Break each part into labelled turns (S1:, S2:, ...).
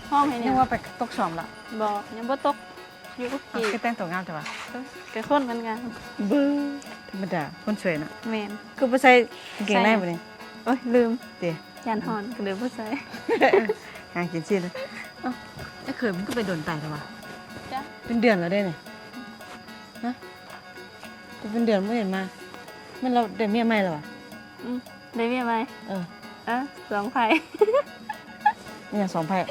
S1: ห้องให้
S2: นึ
S1: เนี่ย
S2: กว่าไปตกสอบละ
S1: บอกยังบ่ตกอยู่กับ
S2: อ้าว
S1: พี่
S2: คือแต่งตัวงามจังวะ
S1: กระคนเหมือนกัน
S2: บื้อธรรมดาคนสวยน่ะ
S1: แมน
S2: คือบ่ใส่กางเกงในบ่นี่
S1: โอ้ยลืม
S2: เดี๋ยว
S1: ยันหอนก็เลยบ่ใส่
S2: หางกินซีเลยเอ้าไอ้เคยมันก็ไปโดนตายแล้ววะ
S1: จ้ะ
S2: เป็นเดือนแล้วได้เนี่ยฮะจะเป็นเดือนไม่เห็นมามันเราได้เมียใหม่แล้ววะ
S1: ได้เมียไหม
S2: เออ
S1: สองไผ่
S2: เนี่ยสองไพ่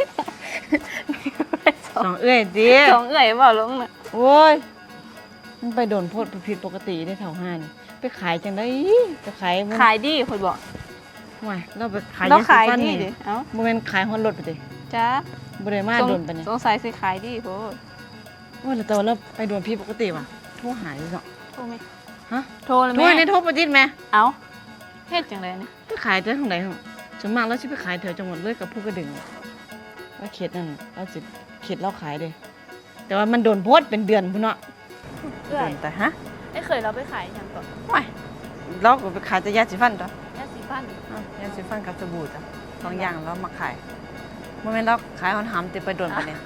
S2: สองเอ้ยจี
S1: สองเอื่อยบ่ลงน่ะ
S2: โอ้ยมันไปโดนโพดผิดปกติได้แถวห้านี่ไปขายจังได้ไปขายมัน
S1: ขายดีคนบอก
S2: ห่วยเราไปขาย
S1: เราขาย
S2: ฟัน
S1: ดี
S2: นี่
S1: ดิเอ้า
S2: โมเมนขายฮอนรถไปดิ
S1: จ้า
S2: บริมาโดนไปเนี่ย
S1: สงสัยสิขายดีโพด
S2: โอ้ยแต่ว่าเราไปโดนผิดปกติว่ะโทรหายเนาะ
S1: โทรไหม
S2: ฮะ
S1: โทรเลย
S2: โทร
S1: แม่
S2: ในโทรประจิตไหม
S1: เอ้าเฮ็ดจังไดนี่
S2: ไปขายเท่าไหร่ของส่วนมากเราจะไปขายแถวจังหวัดเลยกับผู้กระดึงว่าเขตนั่นเราจะเขตเราขายเลยแต่ว่ามันโดนโพดเป็นเดือนพุ่นเนาะ
S1: เอื่อย
S2: แต่ฮะ
S1: ไอ้เคยเราไปขายยังก่อน
S2: ไม่เราก็ไปขายแต่ยาสีฟันต่อย
S1: าสีฟัน
S2: ยาสีฟันกับสบู่จ้ะสองอย่างเรามาขายโมเมนต์เราขายหอนหำติไปโดนไปเนี่ย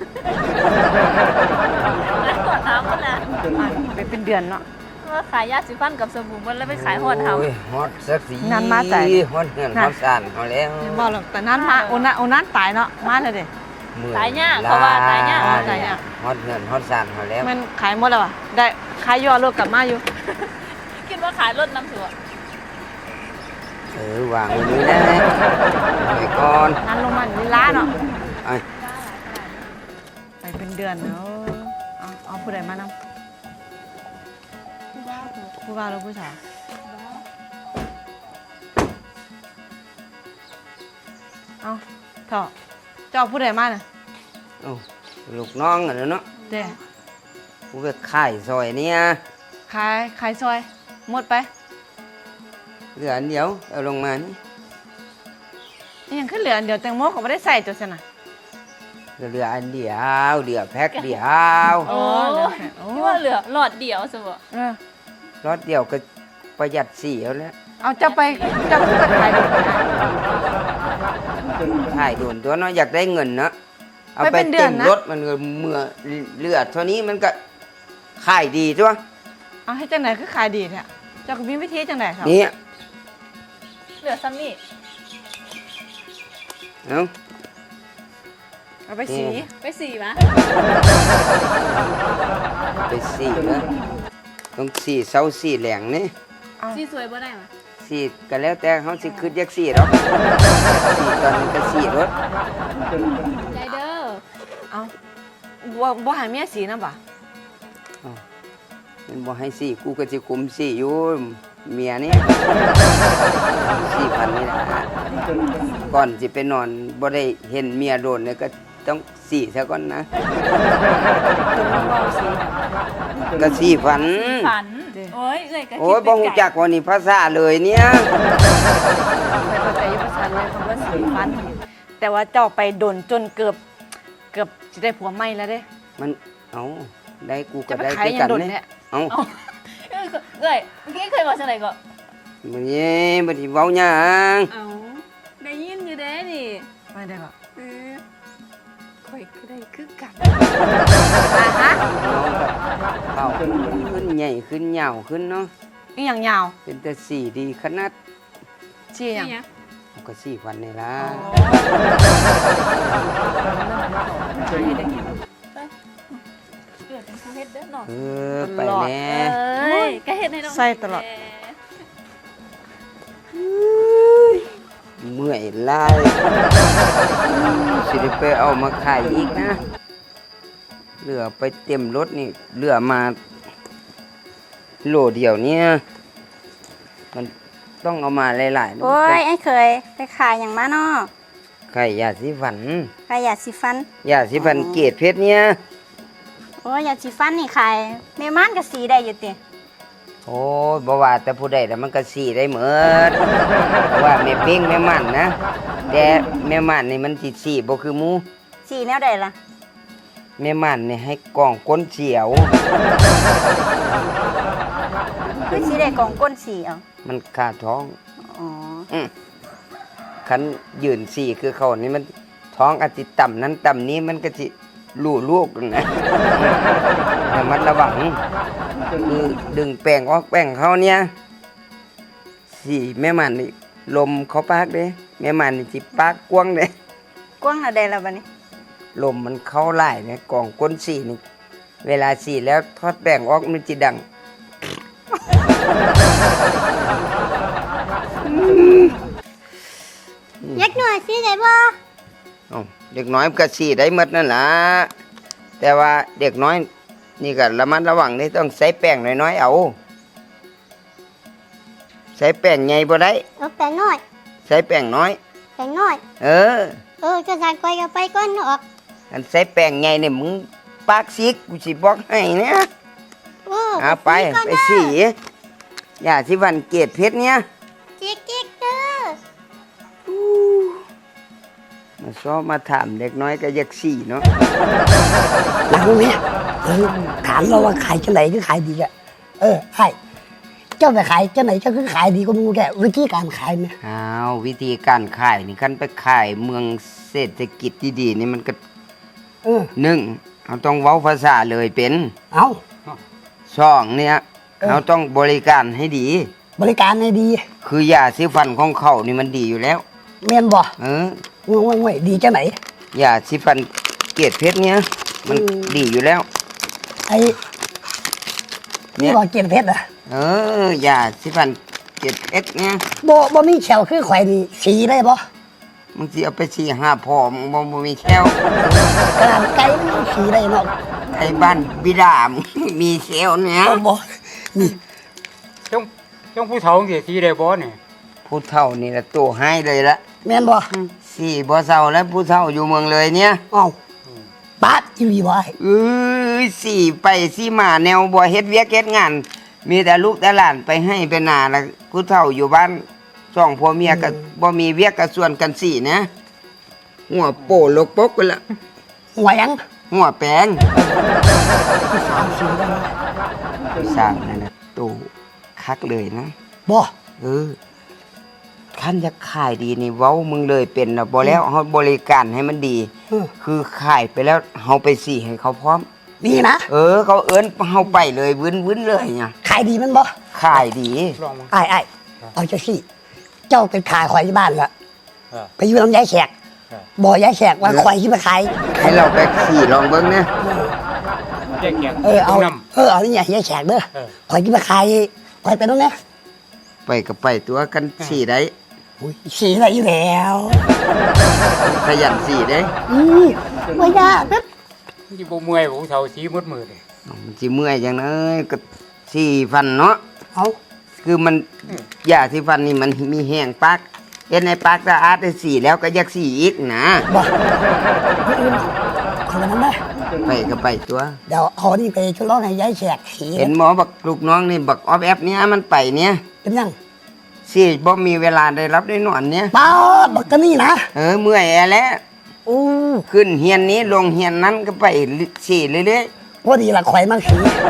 S1: แล้วตรวจน้ำมันนะ
S2: ไปเป็นเดือนเนาะ
S1: ว่าขายยาสีฟันกับสบู่มันแล้วไปขายหอดเฮา
S3: โอ้ยฮอตสักสี
S2: งานมาใจ
S3: ฮอตเงินฮอตสานเอาแล้ว
S2: ยังบอกหรอกแต่นั้นมาโอนั้นตายเนาะมาเลยเด้
S3: มื่อ
S1: ตายยากเขาว่าตายยาก
S2: ตายยาก
S3: ฮอตเงินฮอตสานเอาแล้ว
S2: มันขายหมดแล้วอ่ะได้ขายยอดรถกลับมาอยู่
S1: คิดว่าขายรถน้ำถั่ว
S3: วางไว้นี่นะไปก่อน
S2: งานลงมันลีลาเนาะ
S3: ไอ้
S2: ไปเป็นเดือนเนาะเอาผู้ใดมานำผู้บ่าวหรือผู้สาวเอาเถอะเจ้าผู้ใดมาน่ะ
S3: โอ้ลูกน้องอะเนาะ
S2: เด้
S3: กูไปขายซอยเนี่ย
S2: ขายซอยหมดไป
S3: เหลืออันเดียวเอาลงมานี่
S2: นี่ยังขึ้นเหลืออันเดียวแตงโมก็ไม่ได้ใส่ตัวสนะ
S3: เหลืออันเดียวเหลือแพ็คเดียว
S1: โอ้
S2: เหลือแค่โอ้
S1: ที่ว่าเหลือหลอดเดียวสิบ่
S2: เออ
S3: รถเดียวก็ประหยัดสีเอาแล้ว
S2: เอาเจ้าไปขายดูนะ
S3: ขายโดนตัวเนาะอยากได้เงินเนาะเอา
S2: ไป
S3: ไป
S2: เป็นเดือ
S3: เต็
S2: น
S3: ม
S2: นะ
S3: รถมันก็เมื่อเลือดเท่านี้มันก็ขายดีจ้ะ
S2: เอาให้จังไหนคือขายดีเนี่ยเจ้าก็มีวิธีจังไหนครับ
S3: นี่
S1: เหลือซัมนี่
S3: เอา
S2: เอาไปสี
S1: ไปสี่มะ
S3: ไปสีนะต้องสีเสาสีแหลงนี่
S2: เอา
S1: สี่สวยบ่ได้มะ
S3: สีก็แล้วแต่เขาสิคืดยักสีหรอกสีตอนนี้ก็สีรถ
S1: ใจเด้อ
S2: เอาบ่หาเมียสีนะบ่ะ
S3: มันบอกให้สีกูก็จะคุมสีอยู่เมียนี่4,000นี่แหละก่อนสิไปนอนบ่ได้เห็นเมียโดนเนี่ยก็ต้องสีซะก่อนนะ
S2: จนมันบ่เอาสี
S3: ก็4,000
S1: ฝัน
S2: เด้อ
S1: โอ้ยเอ้ยก็
S3: โอ้ยบ่ฮู้จักว่านี่ภาษาเลยเนี่ย
S2: ไปเข้าใจอยุภาษาเลยคำว่าสีฟัน แต่ว่าเจ้าไปโดนจนเกือบจะได้ผัวใหม่แล้วเด้
S3: มันเอาได้กูก็
S2: จะไป
S3: ได้
S2: ขาย
S3: คือ
S2: ยั
S3: กั
S2: ง
S3: น
S2: โดน
S3: เนี่
S2: เนี่ย ย
S3: เอา
S1: เอ้ยเอ้ยเมื่อกี้เคยบอกจังไดก็
S3: บ่นี่บ่สิเว้าหยัง
S1: เอ้าได้ยินอยู่เด้นี่
S2: ไม่ได้ก็
S1: เออข่อยก็ได้คือกัน
S2: ฮะ
S3: น้องก็ขึ้นใหญ่ขึ้นยาวขึ้นเนาะ
S2: อีหยังยาว
S3: เป็นแต่สีดีขนาด
S2: ชี้หยัง
S1: เนี่ย
S3: ก็4,000นี่ล่ะ
S2: ใช่ได้เห็น
S1: เกิดเป็นผู้เฮ็ดเด้อเนาะ
S3: ไปแน่
S1: เอ้ยก็เฮ็ดให้น้อง
S2: ใส่ตลอด
S3: เมื่อยหลายสิได้ไปเอามาขายอีกนะเหลือไปเต็มรถนี่เหลือมาโหลเดียวเนี่ยมันต้องเอามาหลายๆ
S4: โอ้ยไอ้เคยไปขายอย่างมาเนาะ
S3: ไข่ยาสีฟัน
S4: ขายยาสีฟัน
S3: ยาสีฟันเกรดเพชรเนี่ย
S4: โอ้ยยาสีฟันนี่ขายแม่ม่านก็สีได้อยู่ติ
S3: โอ้ยบ่ว่าแต่ผู้ใดแต่มันก็สีได้เหมือนว่าแม่เป้งแม่มันนะแต่แม่มันนี่มันสิสีบ่คือหมู
S4: สีแนวใดล่ะ
S3: แม่มันนี่ให้กล่องก้นเฉียว
S4: คือสีได้กองก้นสีเอา
S3: มันขาดท้อง
S4: อ๋อ
S3: คันยืนสีคือเขานี่มันท้องอาจสิต่ำนั้นต่ำนี้มันก็สิลู่ลูกนะ แต่มันระวังคือดึงแป้งออกแป้งเขาเนี่ยสิแม่มันนี่ลมเขาปากเด้แม่มันนี่สิปากกว้างเด้
S4: กว้างอะไรแล้วบัดนี้
S3: ลมมันเข้าไล่เนี่ยกล่องก้นสีนี่เวลาสีแล้วทอดแป้งออกมันจะดัง
S4: เล็กหน่อยสิได้บ่
S3: เอ้าเด็กน้อยมันก็สีได้หมดนั่นล่ะแต่ว่าเด็กน้อยนี่ก็ระมัดระวังนี่ต้องใส่แป้งน้อยๆเอาใส่แป้งใหญ่บ่ได้
S4: เอาแต่น้อย
S3: ใส่แป้งน้อย
S4: แต่น้อย
S3: เออ
S4: จะสั่งก้อยก็ไปก่อนออก
S3: อันใส่แป้งใหญ่เนี่ยมึงปากซิกกูสิบอกให้เนี่ย เอาไปไปสีอย่าสิวันเกตเพชรเนี่ย
S4: จิ๊กจิ๊กเด้อ
S3: มาซ้อมาถามเด็กน้อยก็อยากสีเนาะ
S5: หลังเนี่ยถามเราว่าขายจังไหนคือขายดีอะใช่เจ้าไปขายจังไหนเจ้าคือขายดีก็มูแกวิธีการขายเนี่ย
S3: อ้าววิธีการขายนี่คันไปขายเมืองเศรษฐกิจดีๆนี่มันก็
S5: เออ
S3: หนึ่งเราต้องเว้าภาษาเลยเป็น
S5: เอา
S3: สองเนี่ยเราต้องบริการให้ดี
S5: บริการให้ดี
S3: คือยาสีฟันของเขานี่มันดีอยู่แล้ว
S5: เมียนบ่
S3: เออ
S5: ง่วยดีจังไหน
S3: ยาสีฟันเกตเพชรเนี่ยมันดีอยู่แล้ว
S5: ไอ้นี่บ่เกียนเพชรอะ
S3: เออยาสีฟันเกตเพชรเนี่ย
S5: บ่มีแขวคือข่อยนี่สีได้บ่
S3: มึงสิเอาไปสีห้าพอมึงบ่มีแค้ว
S5: ขนาดไก่มันยังสีได้เนาะ
S3: ไอ้บ้านบิดามึงมีแค้วเนี่ย
S5: เอาบ่นี่
S6: จ้องผู้เฒ่าเสียทีได้บ่เนี่ย
S3: ผู้เฒ่านี่ละตัวให้เลยละ
S5: แม่นบ่
S3: สี่บ่เศร้าแล้วผู้เฒ่าอยู่เมืองเลยเนี่ย
S5: เอ้าปาดอีหลีบ่ไอ้
S3: สี่ไปสี่มาแนวบ่เฮ็ดเวียกเฮ็ดงาน มีแต่ลูกแต่หลานไปให้ไปนาแล้วผู้เฒ่าอยู่บ้านสองผัวเมียก็บ่มีเวียกก็ส่วนกันสี่นะหัวโปลกปกกันละ
S5: หัวหยัง
S3: หัวแปลง
S5: สามสีได้บ่
S3: สร้างนั่นน่ะตู้คักเลยนะ
S5: บ่
S3: คันจะขายดีนี่เว้ามึงเลยเป็นนะบ่แล้วเฮาบริการให้มันดี คือขายไปแล้วเฮาไปสี่ให้เขาพร้อม
S5: นี่นะ
S3: เขาเอิ้นเฮาไปเลยวินเลยเนี่ย
S5: ขายดีมันบ่
S3: ขายดี
S6: ลองมา
S5: ไอ้เอาจังซี่เจ้าเป็นขายข่อยที่บ้านละ
S6: เออ
S5: ไปอยู่ลำไยแขก บ่ยายแขกว่าข่อยที่มาขาย
S3: ให้เราไปขี่ลองเบิ่งนะ
S6: แยกแยก
S5: เอา
S6: น้
S5: เอานี่ยายแขกเด้อ
S6: เออ
S5: ข่อยที่มาขายข่อยไปตรงนี้
S3: ไปก็ไปตัวกันสี่ได้
S5: อุ้ยสีอะไรอยู่แล้ว
S3: ขยันสี่ได้
S5: ไม่ยากนะ
S6: ำที่บ่เมื่อยผู้เฒ่าสีมืดมืดเลย
S3: มันสิเมื่อยจังเอ้ยก็สี่ฟันเนาะ
S5: เอา
S3: คือมันยาที่ฟันนี่มันมีแห้งปากเฮ็ดในปากสะอาดได้สี่แล้วก็อยากสี่อีกนะ
S5: บ่ไม่อื่นคนละนั้นนะ
S3: ไปก็ไปตัว
S5: เดี๋ยวเอานี่ไปทดลองให้ยายแขกสี
S3: เห็นหมอบักลูกน้องนี่บักออฟแอฟเนี่ยมันไปเนี่ย
S5: เป็นยัง
S3: สี่บ่มีเวลาได้รับได้นอนเนี่ย
S5: ป้าบักกันนี่นะ
S3: เมื่อยแอแล้ว
S5: อู้
S3: ขึ้นเฮียนนี้ลงเฮียนนั้นก็ไปสี่เรื่อย
S5: พอดีละข่อยมาสี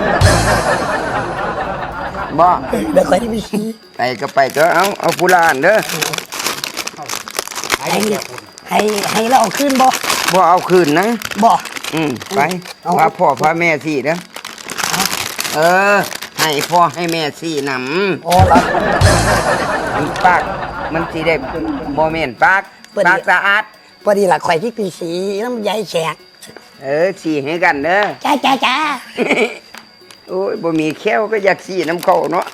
S3: ๆบ่
S5: เดี๋ยวข่อยที่ไปสี
S3: ไปก็ไปตัวเอาผู้ลานเด้อ
S6: หายแยกคน
S5: ให้เราเอาขึ้นบ่
S3: บ่เอาคืนนะ
S5: บ่
S3: ไป
S5: เอา
S3: พาพ่อพาแม่สี่เด้อให้พ่อให้แม่สี่นำ
S5: โอ้ละ
S3: มันปากมันสิได้บ่แม่นปากปากสะอาด
S5: พอดีละข่อยที่ไปสีน้ำยายแขก
S3: สี่ให้กันเด้อ
S5: จ้า
S3: โอ้ยบ่มีแค้วก็อยากสี่น้ำเขาเนาะ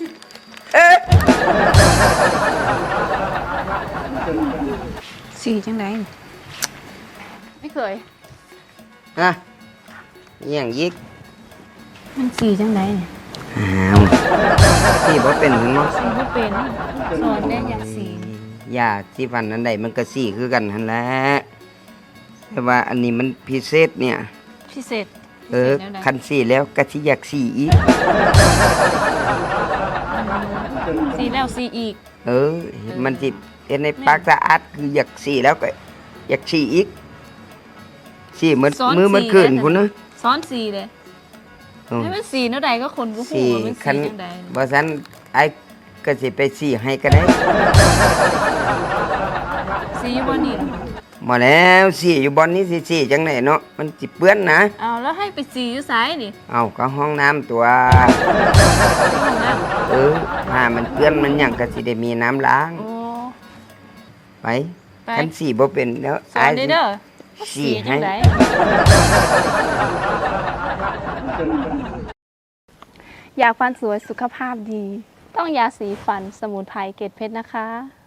S1: สีจังไดไม่เคย
S3: ฮะอหย่างยิก
S1: มันสีจังไดเนี่ย
S3: อ้าวสี่บ่เป็นหรือมั้ง
S1: สีบ่เป็นสอนได้อยากสี
S3: ยาที่ฟันอันใดมันก็สี่คือกันหั่นแหละแต่ว่าอันนี้มันพิเศษเนี่ย
S1: พิเศษพิเศษแนวใด
S3: คันสี่แล้วก็สิอยากสี่อีก
S1: สีแล้วสีอีก
S3: มันสิเฮ็ดในปากสะอาดคืออยากสี่แล้วก็อยากสี่อีกสี่เหมือน
S1: ซ้อน
S3: มือมัน
S1: สี่
S3: ขึ้น
S1: ได้
S3: พุ่นนะ
S1: ซ้อนสีเลย
S3: อืม
S1: ให้มันสีแนวใดก็คนบ่ฮู้
S3: สี่
S1: ว่ามัน
S3: คั
S1: สี
S3: น
S1: จังได
S3: บ่ซันไอ้ก็สิไปสี่ให้ก็ได้
S1: สีบ่นี่
S3: บมาแล้วสีอยู่บอนนี้สิสีจังไหนเนาะมันจิเปื้อนนะ
S1: เอาแล้วให้ไปสีอยู่ซ้ายนี่
S3: เอาก็ห้องน้ำตัว
S1: ห้องน้
S3: ถ้ามันเปื้อนมันหยังก็สิได้มีน้ำล้าง
S1: ำโอ้
S3: ไป
S1: ไป
S3: คันสีบ่เป็นแล้ว
S1: สอนได้เด้อ
S3: สี
S1: จั
S3: ให้
S1: งได
S7: อยากฟันสวยสุขภาพดี ต้องยาสีฟันสมุนไพรเกรดเพชรนะคะ